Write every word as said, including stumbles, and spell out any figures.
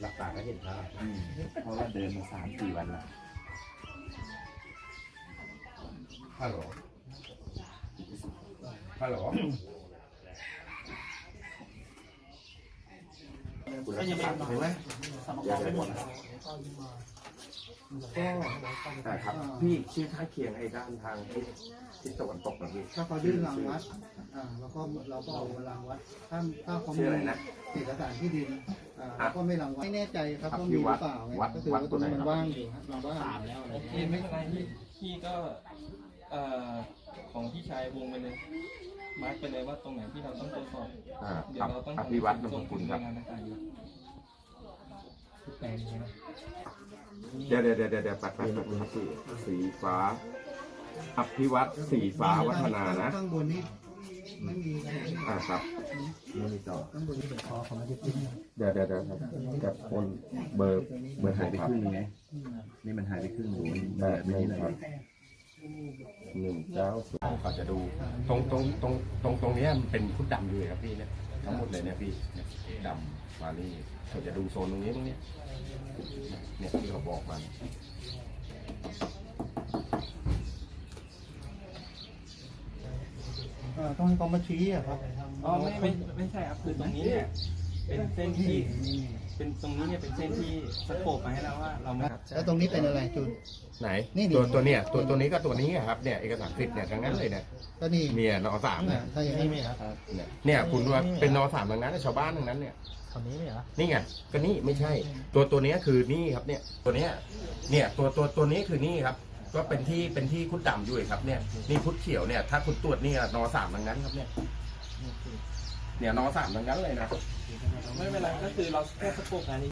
หลับตาก็เห็นภาพอืมเพราะว่าเดินมาสามสี่วันแล้วฮัลโหลฮัลโหลก็ยังไม่เห็นไหมสมองไม่หมดก็แต่ครับพี่ชื่อข้างเคียงไอ้ด้านทางทิศทิศตะวันตกนะพี่ถ้าเขายื่นรางวัดอ่าแล้วก็เราก็เอารางวัดถ้าถ้าเขาชื่มีออะไรนะเอกสารที่ดินอ่าเราก็ไม่รางวัดไม่แน่ใจครับครับว่ามีหรือเปล่าวัดก็คือวัดว่าตัตัว วไหนนี้ครับมันว่างอยู่ครับเราว่างโอเคไม่เป็นไรพี่พี่ก็เอ่อของพี่ชายวงไปเลยมาร์กไปเลยว่าตรงไหนที่เราต้องตรวจสอบอ่าเดี๋คยรัวบเราต้องอภิวัตรนามสกุลครับงานต่างๆอยู่แปลงใช่ไหมเดี๋ยวเดี๋ยวเดี๋ยวเดี๋ยวปัดปัดปัดครับพี่สีฟ้าอภิวัตรสีฟ้าวัฒนานะข้างบนนี่ไม่มีอ่าครับไม่มีต่อข้างบนนี่เป็นคอของมันจะปิ้งเดี๋ยวเดี๋ยวเดี๋ยวครับแต่คนเบอร์เบอร์หายไปครึ่งนึงไงนี่มันหายไปครึ่งหนึ่งแต่ไม่ได้ครับหนึ่งเก้าศูนย์เขาจะดูตรงตรงตรงตรงตรงเนี้ยมันเป็นพุทธดำอยู่เลยครับพี่เนี่ยทั้งหมดเลยเนี่ยพี่เนี่ยดำมานี่เขาจะดูโซนตรงนี้ตรงเนี้ยเนี่ยที่เขาบอกมาอ่าต้องให้เขามาชี้อะครับอ๋อไม่ไม่ไม่ใช่ครับคือตรงนี้เนี่ยเป็นเส้นที่เป็นตรงนี้เนี่ยเป็นเส้นที่สโคปมาให้เราว่าเราไม่แล้วตรงนี้เป็นอะไรจุดไหนนี่นี่ตัวตัวเนี้ยตัวตัวนี้ก็ตัวนี้อะครับเนี่ยเอกสารสิทธิ์เนี่ยทั้งนั้นเลยเนี่ยก็นี่เมียนอสามอ่าเนี่ยถ้าอย่างนี้ไม่ครับเนี่ยเนี่ยคุณว่าเป็นนอสามทั้งนั้นนะชาวบ้านทั้งนั้นเนี่ยคำนี้ไม่เหรอนี่ไงก็นี่ไม่ใช่ ตัวตัวเนี้ยคือนี่ครับเนี่ยตัวเนี้ยเนี่ยตัวตัวตัวนี้คือนี่ครับ ก็เป็นที่เป็นที่คุดดำอยู่ครับเนี่ยนี่คุดเขียวเนี่ยถ้าคุณตรวจนี่นอสามทั้งนั้นครับเนี่ยเนี่ยนอสามทั้งนั้นเลยนะไม่เป็นไรก็คือเราแค่สโคปงานนี้